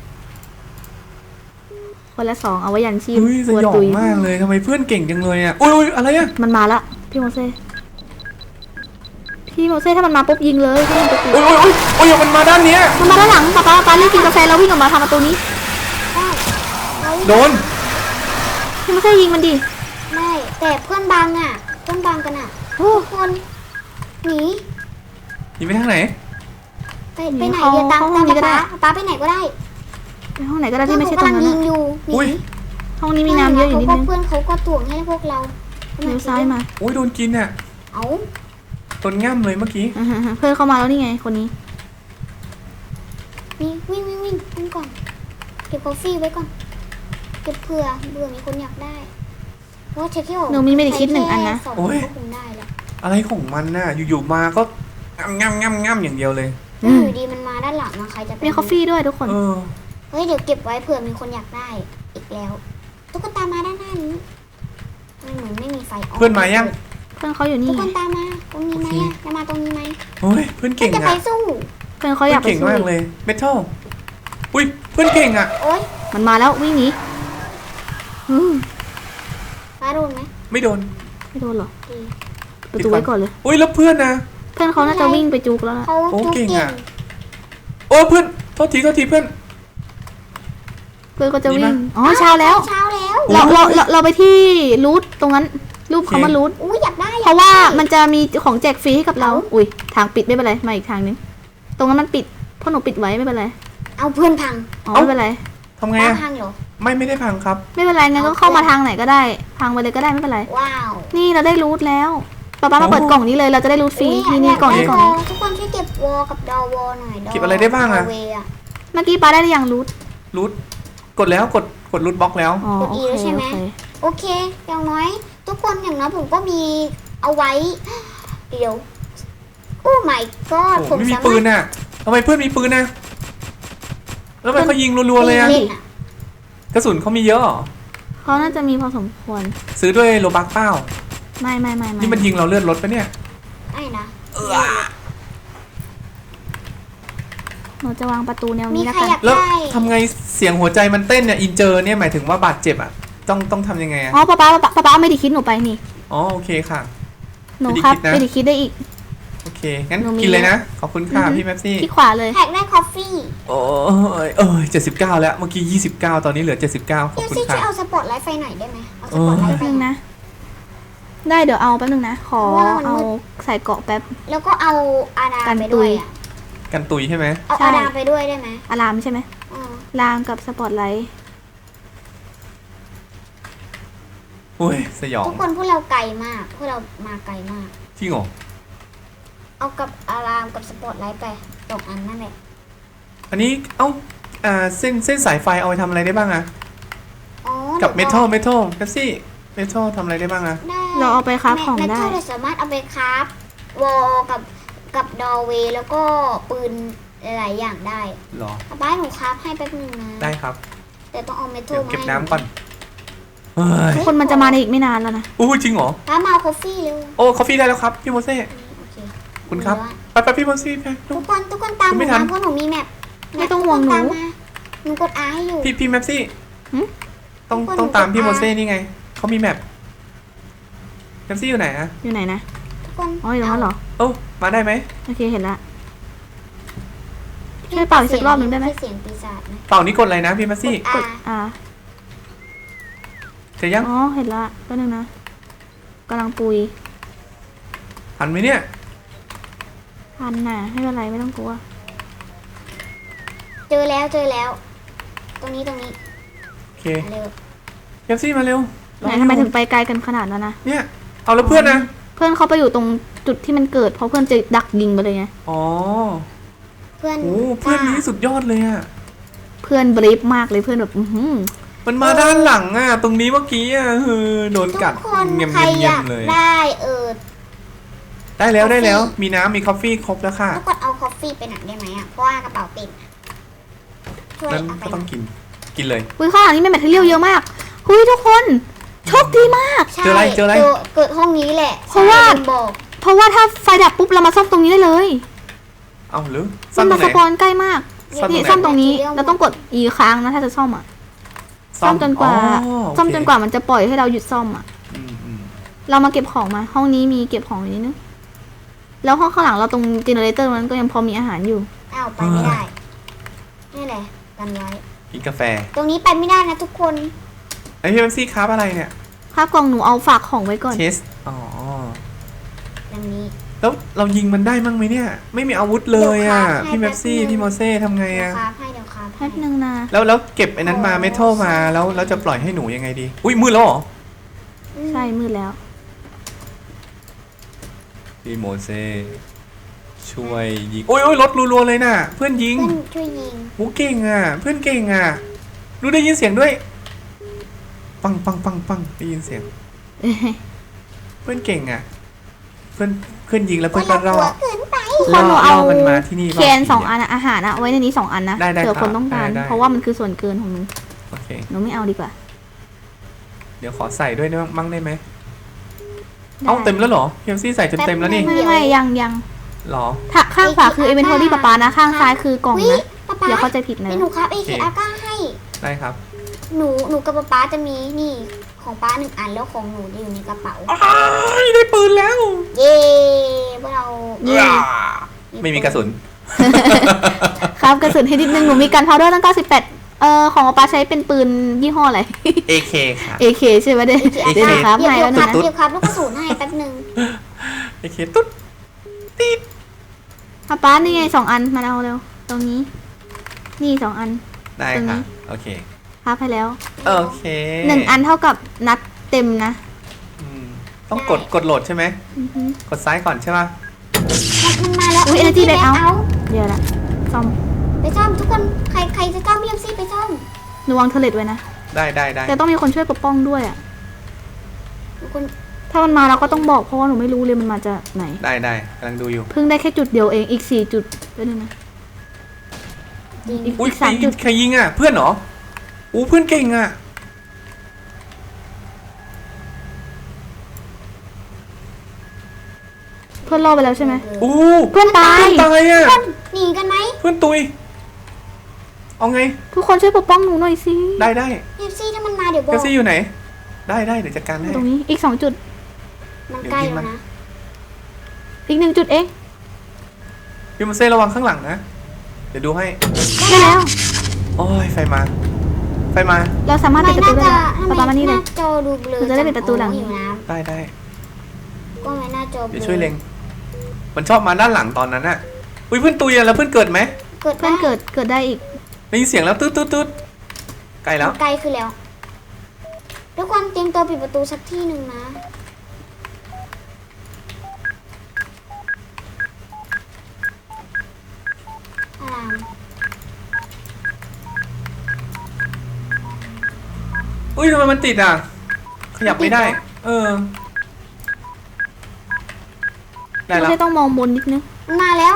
[SPEAKER 3] คนละสองเอาไว้ยันชีพ
[SPEAKER 1] อุ้ยส
[SPEAKER 3] กลัวย
[SPEAKER 1] อง
[SPEAKER 3] ตุย
[SPEAKER 1] มากเลยทำไมเพื่อนเก่งจังเลยอะอุ้ยอุ้ยอะไรอะ
[SPEAKER 3] มันมาละพี่โมเซ่พี่โมเซ่ถ้ามันมาปุ๊บยิงเลยถ้ามันจะติด
[SPEAKER 1] อุ้ยอุ้ยอุ้ยอุ้ยมันมาด้านเนี้ย
[SPEAKER 3] มันมาด้านหลังป้าป้าป้ารีบกินกาแฟแล้ววิ่งออกมาทางประตูนี้
[SPEAKER 2] ได้เฮ้ย
[SPEAKER 1] โดน
[SPEAKER 3] พี่โมเซ่ยิงมันดิ
[SPEAKER 2] ไม่แต่เพื่อนบังอ่ะต้นบางกันอ่ะ
[SPEAKER 3] โอ้
[SPEAKER 2] ทุกคนหนี
[SPEAKER 1] หนีไปทางไหน
[SPEAKER 2] ไปไปไหนเดี๋ยวตามตามป๊าป๊าป๊าไปไหนก็ได้
[SPEAKER 3] ไปห้องไหนก็ได้ที่ไม่ใช่ตรง
[SPEAKER 2] เพื่อน
[SPEAKER 3] นั้น
[SPEAKER 2] เขากำลังยิง
[SPEAKER 3] อะ
[SPEAKER 2] อยู่หนี
[SPEAKER 1] อุ้ย
[SPEAKER 3] ห้องนี้มีน้ำเยอะอยู่นิดนึง
[SPEAKER 2] เพื่อนเขาก็ถ่วงให้พวกเรา
[SPEAKER 3] เลี้ยวซ้ายมา
[SPEAKER 1] อุ้ยโดนกินอ่ะ
[SPEAKER 2] เอา
[SPEAKER 1] โดนง่ำเลยเมื่อกี้
[SPEAKER 3] อ่าฮะเพื่อนเข้ามาแล้วนี่ไงคนนี้
[SPEAKER 2] วิ่งวิ่งวิ่งวิ่งวิ่งก่อนเก็บกาแฟไว้ก่อนเก็บเผื่อเบื่อมีคนอยากได้เพราะว่าเช็คที่
[SPEAKER 3] หนูมีไม่ได้คิดหนึ่งอันนะ
[SPEAKER 2] สอง
[SPEAKER 1] โอ้ย
[SPEAKER 2] ก็คงได้แล้ว
[SPEAKER 1] อะไรของมันน่ะ อยู่ๆมาก็ง่ำง่ำง่ำอย่างเดียวเลย
[SPEAKER 3] อืม
[SPEAKER 2] อยู่ดีมันมาด้านหลังนะใครจะไป
[SPEAKER 3] มีกาแฟด้วยทุกคน
[SPEAKER 1] เออ
[SPEAKER 2] เฮ้ยเดี๋ยวเก็บไว้เผื่อมีคนอยากได้อีกแล้วตุ๊กตามาด้านหน้านี้มันเหมือนไม่มีไฟ
[SPEAKER 1] เพื่อนมายัง
[SPEAKER 3] เพื่อนเขาอยู่นี่
[SPEAKER 2] ทุก
[SPEAKER 3] ไง
[SPEAKER 2] คนตามมาตรงนี้ไหม
[SPEAKER 1] โอเค
[SPEAKER 2] อะจะมาตรงนี้ไหม
[SPEAKER 1] โอ้ยเพื่อน
[SPEAKER 2] เพื่อ
[SPEAKER 1] เก่
[SPEAKER 2] น
[SPEAKER 1] ง
[SPEAKER 2] จะไป
[SPEAKER 1] อ่ะ
[SPEAKER 2] สู้
[SPEAKER 3] เพื่อนเขาอยากไป
[SPEAKER 1] เก่ง
[SPEAKER 3] สู้
[SPEAKER 1] มาก
[SPEAKER 3] อีก
[SPEAKER 1] เลยเมทัลอุ้ยเพื่อนเก่งอ่ะ
[SPEAKER 2] โอ๊ย
[SPEAKER 3] มันมาแล้ววิ่งหนีอืม
[SPEAKER 2] ฟ้าโดนไหม
[SPEAKER 1] ไม่โดน
[SPEAKER 3] ไม่โดนหรอ
[SPEAKER 2] ดี
[SPEAKER 3] ประตูไว้ก่อนเลย
[SPEAKER 1] อุ้ยแล้วเพื่อนนะ
[SPEAKER 3] เพื่อนเขาน่าจะวิ่งไปจุกแล้วล่ะ
[SPEAKER 2] เขา
[SPEAKER 1] โอ้
[SPEAKER 2] จุก
[SPEAKER 1] เก่ง
[SPEAKER 2] เก่
[SPEAKER 1] อะ
[SPEAKER 2] ง
[SPEAKER 1] โอ้เพื่อนโทษทีโทษทีเพื่อน
[SPEAKER 3] เพื่อนก็จะ
[SPEAKER 1] ดี
[SPEAKER 3] วิ่
[SPEAKER 1] มาก
[SPEAKER 3] งอ๋อเช้าแล้ว
[SPEAKER 2] เช้าแล้ว
[SPEAKER 3] เราเราเราเราไปที่รูทตรงนั้นรูปเขามารูท
[SPEAKER 2] อุ้ยอยากได้อยก
[SPEAKER 3] เพราะว่า
[SPEAKER 2] ได้
[SPEAKER 3] มันจะมีของแจกฟรีให้กับเรา อุ้ยทางปิดไม่เป็นไรมาอีกทางนึงตรงนั้นมันปิดเพราะหนูปิดไว้ไม่เป็นไร
[SPEAKER 2] เอาเพื่อนพัง
[SPEAKER 3] อ๋อไม่เป็นไร
[SPEAKER 1] ทำไง
[SPEAKER 2] ป้า
[SPEAKER 1] อ่ะ
[SPEAKER 2] พังเหรอ
[SPEAKER 1] ไม่ไม่ได้พังครับ
[SPEAKER 3] ไม่เป็นไรงั้นก็เข้ามาทางไหนก็ได้พังไปเลยก็ได้ไม่เป็นไร
[SPEAKER 2] ว้าว
[SPEAKER 3] นี่เราได้รูทแล้วป๊าป๊ามาเปิดกล่องนี้เลยเราจะได้รูทฟรี
[SPEAKER 2] อุ๊ย
[SPEAKER 3] นี่นี่
[SPEAKER 2] ยาก
[SPEAKER 3] กล่องนี้
[SPEAKER 2] ได้
[SPEAKER 3] กล่องนี้
[SPEAKER 2] ทุกคนช่วยเก็บวอลกับดอวอลหน่อยด
[SPEAKER 1] เก็บอะไรได้บ้างอะ
[SPEAKER 2] ดเวอะ
[SPEAKER 3] เมื่อกี้ป๊าได้หรือยังรูท
[SPEAKER 1] รูทกดแล้วกดกดรูทบล็อกแล้ว
[SPEAKER 3] อ๋อก
[SPEAKER 2] ด
[SPEAKER 3] โอ
[SPEAKER 2] E
[SPEAKER 3] เค
[SPEAKER 2] แล้วใช่ไหม
[SPEAKER 3] โอเค
[SPEAKER 2] โอเค อย่างน้อย ทุกคนอย่างน้อยผมก็มีเอาไว้ เดี๋ยว โอ้ my god
[SPEAKER 1] โอ้
[SPEAKER 2] ผม
[SPEAKER 1] ไม่มี
[SPEAKER 2] สา
[SPEAKER 1] ปื
[SPEAKER 2] มาร
[SPEAKER 1] น
[SPEAKER 2] ถ
[SPEAKER 1] น่ะทำไมเพื่อนมีปืนน่ะแล้วทำไมเขายิงรัวๆเลยอ่ะ
[SPEAKER 2] เล่นอะ
[SPEAKER 1] กระสุนเขามีเยอะเหรอ
[SPEAKER 3] เขาน่าจะมีพอสมควร
[SPEAKER 1] ซื้อด้วยโลบักเป้า
[SPEAKER 3] ไม่ไม่ไม่ไม่
[SPEAKER 1] นี่มันยิงเราเลือดรถปะเนี่ย
[SPEAKER 2] ไอ้นะ
[SPEAKER 3] หนูจะวางประตูแนว
[SPEAKER 2] มี
[SPEAKER 3] นี้แล้ว
[SPEAKER 2] ใคร
[SPEAKER 3] กัน
[SPEAKER 2] อยาก
[SPEAKER 1] แล้ว
[SPEAKER 2] ได้
[SPEAKER 1] ทำไงเสียงหัวใจมันเต้นเนี่ยอินเจอร์เนี่ยหมายถึงว่าบาดเจ็บอ่ะต้องต้องทำยังไงอ่ะ
[SPEAKER 3] อ๋อป๊าป๊าป๊าป๊าป๊าไม่ได้คิดหนูไปนี่
[SPEAKER 1] อ๋อโอเคค่ะ
[SPEAKER 3] หนู
[SPEAKER 1] ไม่ได้
[SPEAKER 3] ครับ
[SPEAKER 1] คิดนะ
[SPEAKER 3] ไม่ได้คิดได้อีก
[SPEAKER 1] โอเคงั้น
[SPEAKER 3] หนูมี
[SPEAKER 1] กินเลยนะขอบคุณค่ะ
[SPEAKER 3] อือฮึ
[SPEAKER 1] พี่แม็ปซี่
[SPEAKER 3] ที่ขวาเลย
[SPEAKER 2] แท็กได้คอฟฟี่
[SPEAKER 1] โอ้ยเอ้ยเจ็ดสิบเก้าแล้วเมื่อกี้ยี่สิบเก้าตอนนี้เหลือเจ็ดสิบเก้าขอบ
[SPEAKER 2] เดี๋ยว
[SPEAKER 1] คุณ
[SPEAKER 2] ซี่ช่ว
[SPEAKER 1] ค่ะ
[SPEAKER 2] ยเอาสปอตไลท์ไฟหน่อยได้ไหมเอาสปอตไลท์ไฟ
[SPEAKER 3] แป๊บนึง
[SPEAKER 2] หน่อย
[SPEAKER 3] นะ ได้เดี๋ยวเอาแป๊บนึงนะ ขอ
[SPEAKER 2] เพราะว่ามัน
[SPEAKER 3] เอา
[SPEAKER 2] มืด
[SPEAKER 3] ใส่เกราะแป๊บ
[SPEAKER 2] แล้วก็เอาอาดา
[SPEAKER 3] กัน
[SPEAKER 2] ไป
[SPEAKER 3] ตุ
[SPEAKER 2] ด้วย
[SPEAKER 3] ย
[SPEAKER 2] อะ
[SPEAKER 1] กันตุยใช่ไหม
[SPEAKER 2] เอา
[SPEAKER 3] ใช่
[SPEAKER 2] อาดาไปด้วยได้ไหม
[SPEAKER 3] อะลามใช่ไหม
[SPEAKER 2] อ่า
[SPEAKER 3] ลามกับสปอตไลท์
[SPEAKER 1] โอ้ยสยอง
[SPEAKER 2] ทุกคนพวกเราไกลมากพวกเรามาไกลมาก
[SPEAKER 1] จริงเหรอ
[SPEAKER 2] เอากับอารามกับสปอตไลท์ไปสองอันนั่นแหละ
[SPEAKER 1] อันนี้เอ้าอ่าเส้นเส้นสายไฟเอาไปทำอะไรได้บ้างอะ
[SPEAKER 2] อ๋อ
[SPEAKER 1] กับเม
[SPEAKER 2] ดี๋ยว
[SPEAKER 1] ทัลเมทัลแท็ซี่เมทัลทำอะไรได้บ้างอะ
[SPEAKER 2] ได้
[SPEAKER 3] เราเอาไปคราฟของ
[SPEAKER 2] เม
[SPEAKER 3] ได้
[SPEAKER 2] ทัลเราสามารถเอาไปคราฟวอลกับกับดอเวย์แล้วก็ปืนหลายๆอย่างได้
[SPEAKER 1] หรอ
[SPEAKER 2] ป้าหนูคราฟให้แป๊บนึงนะ
[SPEAKER 1] ได้ครับ
[SPEAKER 2] แต่ต้องเอาเมทั
[SPEAKER 1] เดี๋
[SPEAKER 2] ล
[SPEAKER 1] ยว
[SPEAKER 2] มา
[SPEAKER 1] เก็บ
[SPEAKER 2] ให้
[SPEAKER 1] น้ำก่อนเฮ้ย
[SPEAKER 3] ทุกคนมันจะมาในอีกไม่นานแล้วนะ
[SPEAKER 1] อู้จริงเหรอ
[SPEAKER 2] ป้ามาเอาคอฟฟี่เร็ว
[SPEAKER 1] โอ้คอฟฟี่ได้แล้วครับพี่โมเซ่
[SPEAKER 2] โอเค
[SPEAKER 1] คุณครับ ไปไปพี่โมเซ่ไป
[SPEAKER 2] ทุกคนทุกคนตามห
[SPEAKER 1] ไม่
[SPEAKER 2] นู
[SPEAKER 1] ทัน
[SPEAKER 2] นะเพราะหนูมีแมป
[SPEAKER 3] ไม่ต้องห่วงหนู
[SPEAKER 2] ตามมาหนูกดอาให้อยู่
[SPEAKER 1] พี่พี่แมปซี่
[SPEAKER 3] หึ
[SPEAKER 1] ต้อง
[SPEAKER 2] ทุกคน
[SPEAKER 1] ต้องตาม
[SPEAKER 2] หนูกด
[SPEAKER 1] พี่โม
[SPEAKER 2] อา
[SPEAKER 1] เซ่นี่ไงเขามีแมปแมปซี่อยู่ไหนอะ
[SPEAKER 3] อยู่ไหนนะ
[SPEAKER 2] ทุกคน
[SPEAKER 3] อ๋ออยู่ตรงนั้นเหรอ
[SPEAKER 1] โอ้มาได้ไหม
[SPEAKER 3] โอเคเห็นละ ช่วยเป่าอีกสักรอบหนึ่งได้ไหม
[SPEAKER 2] เสียงปีศาจนะ
[SPEAKER 1] เป่านี้กดอะไรนะพี่แมปซี่
[SPEAKER 2] ก
[SPEAKER 3] ก
[SPEAKER 2] ด
[SPEAKER 3] ด
[SPEAKER 2] อา
[SPEAKER 3] อ่า
[SPEAKER 1] เสร็จยัง
[SPEAKER 3] อ๋อเห็นละแป๊บนึงนะกำลังปุย
[SPEAKER 1] หันไหมเนี่ย
[SPEAKER 3] พันน่ะไม่เป็นไรไม่ต้องกลัว
[SPEAKER 2] เจอแล้วเจอแล้ว ตรงนี้ตรงนี้
[SPEAKER 1] โอเค
[SPEAKER 2] มาเร็ว
[SPEAKER 1] แมปซี่มาเร็ว
[SPEAKER 3] ไหนทำไมถึงไปไกลกันขนาดนั้นนะ
[SPEAKER 1] เนี่ยเอาแล้วเพื่อนนะ
[SPEAKER 3] เพื่อนเขาไปอยู่ตรงจุดที่มันเกิดเพราะเพื่อนจะดักยิงไปเลยไง
[SPEAKER 1] อ๋อ
[SPEAKER 2] เพื่อน
[SPEAKER 1] โอ้เพื่อนนี้สุดยอดเลยอะ
[SPEAKER 3] เพื่อนบรีฟมากเลยเพื่อนแบบอื้อหือ
[SPEAKER 1] มันมาด้านหลังอ่ะ ตรงนี้เมื่อกี้อ่ะเออโดน
[SPEAKER 2] ทุ
[SPEAKER 1] กัด
[SPEAKER 2] กคน
[SPEAKER 1] เงียบ
[SPEAKER 2] ใครอ
[SPEAKER 1] เงีย
[SPEAKER 2] ยา
[SPEAKER 1] บ
[SPEAKER 2] ก
[SPEAKER 1] เลย
[SPEAKER 2] ได้เออ
[SPEAKER 1] ได้แล้วได้แล้ว
[SPEAKER 2] กาแฟ
[SPEAKER 1] มีน้ำมีกาแฟครบแล้วค่ะ
[SPEAKER 2] ทุกคนเอาคอฟฟี่ไปหนักได้ไหมอ่ะเพราะว่ากระเป๋าเต็มอะช่วย
[SPEAKER 1] นั้น
[SPEAKER 2] เอาไป
[SPEAKER 1] ก็
[SPEAKER 2] ห
[SPEAKER 1] ต้
[SPEAKER 2] น่
[SPEAKER 1] อ
[SPEAKER 2] อง ย
[SPEAKER 1] กิน กินเลย
[SPEAKER 3] อุ้ยข้างหลังนี่มีแมทเทียลเยอะมากหุยทุกคนโชคดีมาก
[SPEAKER 2] ใช่
[SPEAKER 1] เจออะไรเจออะไร
[SPEAKER 2] เกิดห้องนี้แหละ
[SPEAKER 3] เพราะว่า
[SPEAKER 2] ใช่ลืมบอก
[SPEAKER 3] เพราะว่าถ้าไฟดับปุ๊บเรามาซ่อมตรงนี้ได้เลย
[SPEAKER 1] เอาหรือ
[SPEAKER 3] ซ่
[SPEAKER 1] ซ่
[SPEAKER 3] อ
[SPEAKER 1] อ
[SPEAKER 3] ม
[SPEAKER 1] มตร
[SPEAKER 3] มาง ส
[SPEAKER 1] ไหน
[SPEAKER 3] ปอนใกล้มาก
[SPEAKER 1] ซ่อมตรงไหน
[SPEAKER 3] นี่ซ่อมตรงนี้เราต้องกดอีกครั้งนะถ้าจะซ่อมอ่ะซ่อมจนกว่า
[SPEAKER 1] อ๋อโอเค
[SPEAKER 3] ซ่อมจนกว่ามันจะปล่อยให้เราหยุดซ่อมอ่ะ
[SPEAKER 1] อืมอืม
[SPEAKER 3] เรามาเก็บของมา ห้องนี้มีเก็บของอยู่นิดนึงแล้วห้องข้างหลังเราตรงเจเนเรเตอร์มันก็ยังพอมีอาหารอยู่
[SPEAKER 2] อ้าวไปไม่ได้นี่แหละกันไว้
[SPEAKER 1] กินกาแฟ
[SPEAKER 2] ตรงนี้ไปไม่ได้นะทุกคน
[SPEAKER 1] ไอพี่แม็ซี่ครับอะไรเนี่ย
[SPEAKER 3] ภาพกล่องหนูเอาฝากของไว้ก่อน
[SPEAKER 1] เชสอ๋อ
[SPEAKER 2] อย่างนี้
[SPEAKER 1] แล้วเรายิงมันได้มั้งไหมเนี่ย ไม่มีอาวุธเลยอ่ะ
[SPEAKER 2] เดี๋ยวครับ
[SPEAKER 1] พี่แมปซี่
[SPEAKER 2] ให้แป๊บนึง
[SPEAKER 1] พี่โมเซ่ทำไง
[SPEAKER 2] เดี๋ยว
[SPEAKER 1] อ่ะ
[SPEAKER 2] ครับให้เดี๋ยวครับ
[SPEAKER 3] แป๊บนึงนะ
[SPEAKER 1] แล้วแล้วเก็บไอ้นั้นมาเมทัลมาแล้วแล้วจะปล่อยให้หนูยังไงดี อุ้ยมืดแล้วเหรอ
[SPEAKER 2] อืม
[SPEAKER 3] ใช่มืดแล้ว
[SPEAKER 1] พี่โมเซ่ช่วยยิงโอ้ยโอ้ยรถรัวๆเลยน่ะ เพื่อนยิง
[SPEAKER 2] เพื่อนช่วยยิง
[SPEAKER 1] โอ้เก่งอ่ะ เพื่อนเก่งอ่ะรู้ได้ยินเสียงด้วย ปังปังปังปังได้ยินเสียง เพื่อนเก่งอ่ะ เพื่อนเพื่อนยิงแล้วเพื่อนก็รอ
[SPEAKER 2] ว่า
[SPEAKER 1] ด
[SPEAKER 2] เรากลัวเกินไป
[SPEAKER 3] คนหนูเอา
[SPEAKER 1] มันมาที่นี่
[SPEAKER 3] เคนสองอันอะอาหารอะไว้ในนี้สองอันนะ
[SPEAKER 1] ได้ได้
[SPEAKER 3] เผื่อคนต้องการ
[SPEAKER 1] ได้ได้
[SPEAKER 3] เพราะว่ามันคือส่วนเกินของหนู
[SPEAKER 1] โอเค
[SPEAKER 3] หนูไม่เอาดีกว่า
[SPEAKER 1] เดี๋ยวขอใส่ด้วยได้มั้งได้ไหม
[SPEAKER 3] ได้
[SPEAKER 1] เอ้าเต็มแล้วเหรอพี่แมปซี่ใส่จนเต็มแล้วนี่
[SPEAKER 3] ไม่ไม่ยังยัง
[SPEAKER 1] หรอ
[SPEAKER 3] ถ้าข้างขวาคือเอเวนทอรี่ปะปานะ ข้างซ้ายคือกล่อง
[SPEAKER 2] วิ
[SPEAKER 3] นะ
[SPEAKER 2] ป๊าป๊า
[SPEAKER 3] อย่าเข้าใจผิดนะ
[SPEAKER 2] เป็นหนูครับเอ
[SPEAKER 1] โอ
[SPEAKER 2] เค
[SPEAKER 1] เค
[SPEAKER 2] อาก้าให้
[SPEAKER 1] ได้ครับ
[SPEAKER 2] หนูหนูกับป๊าป๊าจะมีนี่ของป้าหนึ่งอันแล้วของหนูจะอยู่ในกระเป๋า
[SPEAKER 1] อ้ายได้ปืนแล้ว
[SPEAKER 2] เย้พวกเรา
[SPEAKER 3] เย่
[SPEAKER 1] ไม่มีกระสุน
[SPEAKER 3] ครับกระสุนให้นิดนึงหนูมีการพาวเดอร์ตั้งเก้าสิบแปดเอ่อของปะปาใช้เป็นปืนยี่ห้ออะไร
[SPEAKER 1] เอ เค ค่ะ
[SPEAKER 3] เอ เค ใช่ไหมเด้
[SPEAKER 2] เอเค
[SPEAKER 3] เดี๋ยวหนูครับ
[SPEAKER 2] เดี๋ยว
[SPEAKER 3] ให้
[SPEAKER 2] เดี๋ย
[SPEAKER 3] แล้ว ว
[SPEAKER 2] ครับ
[SPEAKER 3] นะ
[SPEAKER 2] เดี๋ยวครับลูกกระสุนให้แป๊บหนึง
[SPEAKER 1] เอ เค ตุ๊ดติด
[SPEAKER 3] ปะป้านี่ไงสองอันมาเอาเร็วตรงนี้ นี่สองอัน
[SPEAKER 1] ได้
[SPEAKER 3] ตรงนี้
[SPEAKER 1] ค่ะ โอเค
[SPEAKER 3] ครับให้แล้ว
[SPEAKER 1] โอเค
[SPEAKER 3] หนึ่งอันเท่ากับนัดเต็มนะ
[SPEAKER 1] อืมต้องกดกดโหลดใช่ไหม
[SPEAKER 3] อือฮึ
[SPEAKER 1] กดซ้ายก่อนใช่ป่ะ
[SPEAKER 2] มันมันมาแล้ว
[SPEAKER 3] อุ๊ย Energy Back เอา
[SPEAKER 2] เอา
[SPEAKER 3] เดี๋ยวละซ่อม
[SPEAKER 2] ไปซ่อมทุกคนใครใครจะซ่อมพี่เอ็มซี่ไปซ่อม
[SPEAKER 3] หนูวางเทเลตไว้นะ
[SPEAKER 1] ได้ได้ได้
[SPEAKER 3] แต่ต้องมีคนช่วยปกป้องด้วยอ่ะ
[SPEAKER 2] ทุกคน
[SPEAKER 3] ถ้ามันมาเราก็ต้องบอกเพราะว่าหนูไม่รู้เลยมันมาจากไหน
[SPEAKER 1] ได้ได้กำลังดูอยู่
[SPEAKER 3] เพิ่งได้แค่จุดเดียวเองอีกสี่จุดไปเลยนะ
[SPEAKER 2] จริง
[SPEAKER 3] อีก
[SPEAKER 1] อุ้ย
[SPEAKER 3] อีกสามจุด
[SPEAKER 1] ใครยิงอ่ะ เพื่อนเหรออู้เพื่อนเก่งอ่ะ
[SPEAKER 3] เพื่อนรอดไปแล้วใช่ไหม
[SPEAKER 1] อู้
[SPEAKER 3] เพื่อนตาย
[SPEAKER 1] เพื่อนตายอ่ะ
[SPEAKER 2] หนีกันไหม
[SPEAKER 1] เพื่อนตุย เอาไง
[SPEAKER 3] ทุกคนช่วยปกป้องหนูหน่อยสิ
[SPEAKER 1] ได้ได้
[SPEAKER 2] พี่เอ็มซี่ถ้ามันมาเดี๋ยวบ
[SPEAKER 1] เก
[SPEAKER 2] อก
[SPEAKER 1] ซี่อยู่ไหน ได้ได้เดี๋ยวจัดการให้
[SPEAKER 3] ตรงนี้อีกสองจุด
[SPEAKER 2] มันใกล้แล้วนะ
[SPEAKER 3] อีกหนึ่งจุดเอง
[SPEAKER 1] พี่มาเซ่ระวังข้างหลังนะ เดี๋ยวดูให้
[SPEAKER 3] ได้แล้ว
[SPEAKER 1] โอ้ยไฟมา ไฟมา
[SPEAKER 3] เราสามารถ
[SPEAKER 2] ทำไม
[SPEAKER 3] ปิดประ
[SPEAKER 2] หน้า
[SPEAKER 3] ตูได้
[SPEAKER 2] จอ
[SPEAKER 3] แล้วปะปามานี่เลย
[SPEAKER 2] หน้าจอดูเบลอ
[SPEAKER 3] หนูจะได้ปิดประตูหลัง
[SPEAKER 2] อยู่น้
[SPEAKER 1] ได้ได้
[SPEAKER 2] ำก็ไม่หน้าจอเบล
[SPEAKER 1] เดี๋ยว
[SPEAKER 2] อ
[SPEAKER 1] ช่วยเล็ง มันชอบมาด้านหลังตอนนั้นน่ะ อุ้ยเพื่อนตุยอะแล้วเพื่อนเกิดไหม
[SPEAKER 2] เกิด
[SPEAKER 3] เพื่อนเกิดเกิดได้อีก
[SPEAKER 1] ได้ยินเสียงแล้วตืดตืดตืดไกลแล้ว
[SPEAKER 2] ไกลขึ้นแล้วทุกคนเตรียมตัวปิดประตูสักที่หนึ่งนะอาราม
[SPEAKER 1] อุ้ยทำไมมันติดอ่ะ ขยับไม่ได้ เออ ได้
[SPEAKER 3] ไม่
[SPEAKER 1] แล้ว
[SPEAKER 3] ใช่ต้องมองบนนิดนึง
[SPEAKER 2] มันมาแล้ว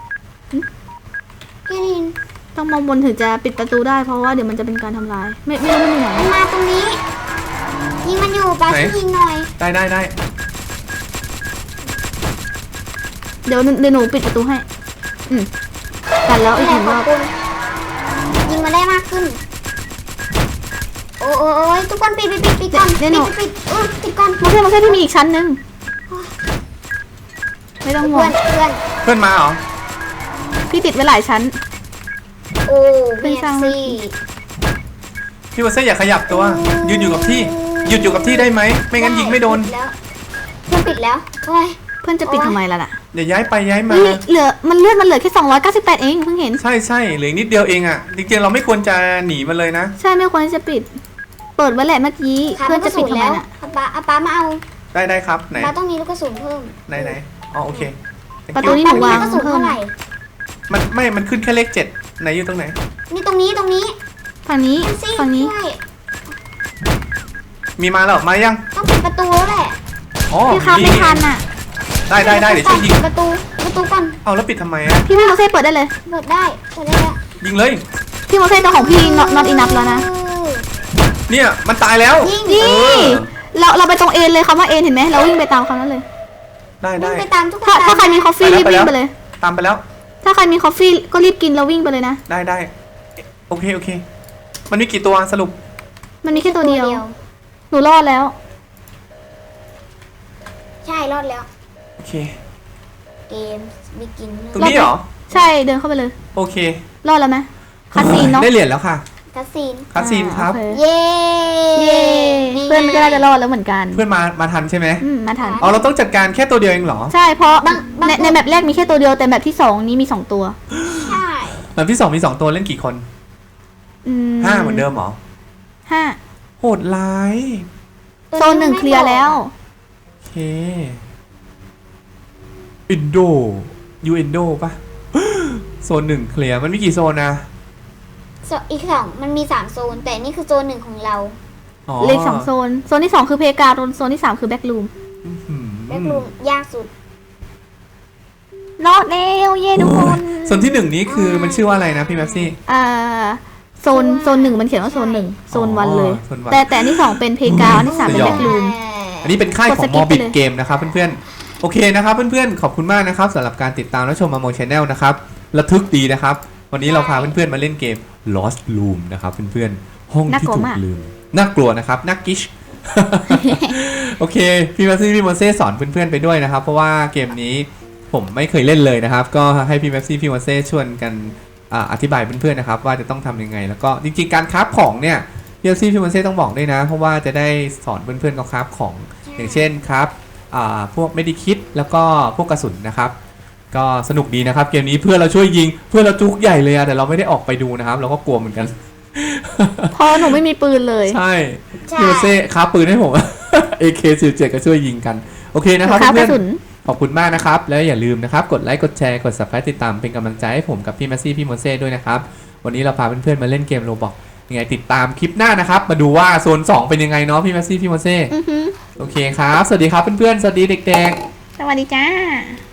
[SPEAKER 2] พี่ลิน
[SPEAKER 3] ต้องมองบนถึงจะปิดประตูได้เพราะว่าเดี๋ยวมันจะเป็นการทำลาย ไม่ไม่รู้มันอยู่ไหน
[SPEAKER 2] มันมาตรงนี้ยิงมันอยู่ปาช่วยยิงหน่อย
[SPEAKER 1] ได้ได้ได้
[SPEAKER 3] เดี๋ยวเดี๋ยวหนูปิดประตูให้ อืมกันแล้วอีกห
[SPEAKER 2] แต่
[SPEAKER 3] นึ่ง
[SPEAKER 2] ข
[SPEAKER 3] ร
[SPEAKER 2] อ
[SPEAKER 3] อ
[SPEAKER 2] บบ คุณยิงมาได้มากขึ้น โอ้โอ้โอ้ยทุกคนปิดปิดปิดปิดก่อนปิดปิดปิดเออปิดก่อน
[SPEAKER 3] มาเพื่อนมาเพื่อนที่มีอีกชั้นหนึงไม่ต้องห่ว
[SPEAKER 2] เพื่อง นเพื่อน
[SPEAKER 1] เพื่อนมาเหรอ
[SPEAKER 3] พี่ติดไว้หลายชั้น
[SPEAKER 2] โอ้
[SPEAKER 3] เพื่
[SPEAKER 2] เมี
[SPEAKER 3] อน
[SPEAKER 2] ย
[SPEAKER 3] สร้าง
[SPEAKER 2] ซี่
[SPEAKER 1] พี่มาเซ่อย่าขยับตัว ยืนอยู่กับที่ หยุดอยู่กับที่ได้ไหม ไม่งั้นยิงไม่โดน
[SPEAKER 2] ปิแล้วเพื่อนปิดแล้วโอ้ย
[SPEAKER 3] เพื่อนจะปิดทำไมล่ะน่ะ
[SPEAKER 1] อย่าย้ายไปย้ายมา
[SPEAKER 3] เฮ้ยเหลือมันเลือดมันเหลือแค่สองร้อยเก้าสิบแปดเองเพิ่งเห็น
[SPEAKER 1] ใช่ใช่เหลืออกนิดเดียวเองอ่ะ จริงๆเราไม่ควรจะหนีมันเลยนะ
[SPEAKER 3] ใช่ไม่ควรที่จะปิด เปิดไว้แหละเมื่อกี้
[SPEAKER 2] ขา
[SPEAKER 3] เพื่อน
[SPEAKER 2] ลูกก
[SPEAKER 3] จะ
[SPEAKER 2] ระ
[SPEAKER 3] ปิ
[SPEAKER 2] สุ
[SPEAKER 3] ด
[SPEAKER 2] น
[SPEAKER 3] ทำไม
[SPEAKER 2] แล้ว
[SPEAKER 3] น่ะ
[SPEAKER 2] อาป้าอาป้ามาเอา
[SPEAKER 1] ได้ได้ครับ ไหน
[SPEAKER 2] ป้าต้องมีลูกกระสุนเพิ่ม
[SPEAKER 1] ไหนไหนอ๋อโอเค Thank
[SPEAKER 3] ประตู
[SPEAKER 1] you
[SPEAKER 3] นี้หนูวาง
[SPEAKER 2] ป้มีลูกกระสุน
[SPEAKER 3] เพิ่ม
[SPEAKER 2] เท่าไหร่
[SPEAKER 1] มันไม่ มันขึ้นแค่เลขเจ็ดไหนอยู่ตรงไหน
[SPEAKER 2] นี่ตรงนี้ตรงนี้
[SPEAKER 3] ฝั่งนี้
[SPEAKER 2] เอ็มซี่
[SPEAKER 3] ฝั่งนี้
[SPEAKER 2] ช่วย
[SPEAKER 1] มีมาแล้วมายัง
[SPEAKER 2] ต้องปิดประตูแล้วแหละ
[SPEAKER 1] อ๋อ
[SPEAKER 3] พี่ครับ
[SPEAKER 1] ดี
[SPEAKER 3] ไม่ทันอ่ะ
[SPEAKER 1] ได้ได้ได้เดี๋ยวช่วยยิง
[SPEAKER 2] ปิดประตูประตูก่อน
[SPEAKER 1] เอาแล้วปิดทำไมอ่ะ
[SPEAKER 3] พี่พี่โมเซ่เปิดได้เลย
[SPEAKER 2] เปิดได้เปิดได้แล้ว
[SPEAKER 1] ยิงเลย
[SPEAKER 3] พี่โมเซ่ตัวของพี่ not not enough แล้วนะ
[SPEAKER 2] เออ
[SPEAKER 1] เนี่ยมันตายแล้ว
[SPEAKER 2] ยิง
[SPEAKER 3] นี่
[SPEAKER 1] เออ
[SPEAKER 3] เราเราไปตรงเอ็นเลยคำว่าเอ็นเห็นไหมเราวิ่งไปตามคำนั้นเลย
[SPEAKER 1] ได้
[SPEAKER 2] วิ่
[SPEAKER 1] ได้
[SPEAKER 2] งไปตามทุกคน
[SPEAKER 3] ถ้าถ้าใครมี
[SPEAKER 2] ต
[SPEAKER 3] คอฟฟี่
[SPEAKER 1] ไปแล้ว
[SPEAKER 3] รีบวิ่ง
[SPEAKER 1] ไป
[SPEAKER 3] ไป
[SPEAKER 1] แล้ว
[SPEAKER 3] เลย
[SPEAKER 1] ตามไปแล้ว
[SPEAKER 3] ถ้าใครมีคอฟฟี่ก็รีบกินแล้ววิ่งไปเลยนะ
[SPEAKER 1] ได้ได้โอเคโอเค มันมีกี่ตัวสรุป
[SPEAKER 3] มันมีแค่ตัวเดียว หนูรอดแล้ว
[SPEAKER 2] ใช่รอดแล้ว
[SPEAKER 1] โอเค
[SPEAKER 2] เกมบิกิน
[SPEAKER 1] ตรงนี้เหรอ
[SPEAKER 3] ใช่เดินเข้าไปเลย
[SPEAKER 1] โอเค
[SPEAKER 3] รอดแล้วไหมคาสีนเนาะ
[SPEAKER 1] ได้เหรียญแล้วค่ะ
[SPEAKER 2] คาซีน
[SPEAKER 1] คาซีนครับ
[SPEAKER 3] อ่าโอเค
[SPEAKER 2] เย้
[SPEAKER 3] เย้เพื่อนก็น่าจะรอดแล้วเหมือนกัน
[SPEAKER 1] เพื่อนมามาทันใช่ไหม
[SPEAKER 3] อืมมาทัน
[SPEAKER 1] อ๋อเราต้องจัดการแค่ตัวเดียวเองเหรอ
[SPEAKER 3] ใช่เพราะ
[SPEAKER 2] บางบาง
[SPEAKER 3] ในในแมปแรกมีแค่ตัวเดียวแต่แมปที่สองนี้มีสองตัว
[SPEAKER 2] ใช่
[SPEAKER 1] แบบที่สองมีสองตัวเล่นกี่คน
[SPEAKER 3] อืม
[SPEAKER 1] ห้าเหมือนเดิมเหรอ
[SPEAKER 3] ห้า
[SPEAKER 1] โหดร้าย
[SPEAKER 3] โซนหนึ่งเคลียร์แล้ว
[SPEAKER 1] โอเคอินโดยูอินโดปะ โซนหนึ่งเคลียร์มันมีกี่โซนนะ
[SPEAKER 2] โซนอีกสองมันมีสามโซน แต่นี่คือโซนหนึ่งของเรา
[SPEAKER 1] อ๋อ
[SPEAKER 3] เหลขสองโซน โซนที่สองคือเพกาโซนที่สามคือแบ็กรูม
[SPEAKER 1] อื้อหือ
[SPEAKER 2] แบ็กรูมยากสุด
[SPEAKER 3] รอดแล้วเย้ทุกคน
[SPEAKER 1] โซนที่หนึ่งนี้คือมันชื่อว่าอะไรนะพี่แม็กซี่
[SPEAKER 3] อ่าโซนโซนหนึ่งมันเขียนว่าโซนหนึ่งโซนวันเลย
[SPEAKER 1] โซนวัน
[SPEAKER 3] แต่แต่อันที่สองเป็นเพกาอันที่สามเป็นแบ็กรูม
[SPEAKER 1] อันนี้เป็นค่ายข
[SPEAKER 3] ก
[SPEAKER 1] อ
[SPEAKER 3] ด
[SPEAKER 1] ง
[SPEAKER 3] ส
[SPEAKER 1] ม
[SPEAKER 3] กิ
[SPEAKER 1] อ
[SPEAKER 3] ป
[SPEAKER 1] บิด
[SPEAKER 3] ไปเลย
[SPEAKER 1] เกมนะครับเพื่อนๆโอเคนะครับเพื่อนๆขอบคุณมากนะครับสำหรับการติดตามและชมมาโมชแนลนะครับระทึกดีนะครับวันนี้เราพาเพื่อนๆมาเล่นเกม Lost Room นะครับเพื่อนๆห้องที่ถูกลืมน่ากลัวนะครับน่ากิช โอเคพี่แม็กซี่พี่โมเซ่สอนเพื่อนๆไปด้วยนะครับเพราะว่าเกมนี้ผมไม่เคยเล่นเลยนะครับก็ให้พี่แม็กซี่พี่โมเซ่ชวนกันอ่าอธิบายเพื่อนๆนะครับว่าจะต้องทำยังไงแล้วก็จริงๆการคราฟของเนี่ยพี่แม็กซี่พี่โมเซ่ต้องบอกด้วยนะเพราะว่าจะได้สอนเพื่อนๆเขาคราฟของอย่างเช่นครับอ่าพวกเมดิคิทแล้วก็พวกกระสุนนะครับก็สนุกดีนะครับเกมนี้เพื่อนเราช่วยยิงเพื่อนเราจุกใหญ่เลยอะแต่เราไม่ได้ออกไปดูนะครับเราก็กลัวเหมือนกัน
[SPEAKER 3] เพราะหนูไม่มีปืนเลย
[SPEAKER 1] ใช่
[SPEAKER 2] ใช่
[SPEAKER 1] พี่โมเซ่ค้าปืนให้ผม เอ เค สิบเจ็ด ก็ช่วยยิงกันโอเคนะครับ
[SPEAKER 3] ครับก
[SPEAKER 1] เพื่อ
[SPEAKER 3] ระ
[SPEAKER 1] น
[SPEAKER 3] สุน
[SPEAKER 1] ๆขอบคุณมากนะครับแล้วอย่าลืมนะครับกดไลค์กดแชร์กด Subscribe ติดตามเป็นกำลังใจให้ผมกับพี่แมสซี่พี่โมเซ่ด้วยนะครับวันนี้เราพาเพื่อนๆมาเล่นเกมโรบอกยังไงติดตามคลิปหน้านะครับมาดูว่าโซนสองเป็นยังไงเนาะพี่แมสซี่พี่โมเซ่
[SPEAKER 3] อือฮึ
[SPEAKER 1] โอเคครับสวัสดีครับเพื่อนๆสวัสดีเด็กๆ
[SPEAKER 3] สวัสดีจ้า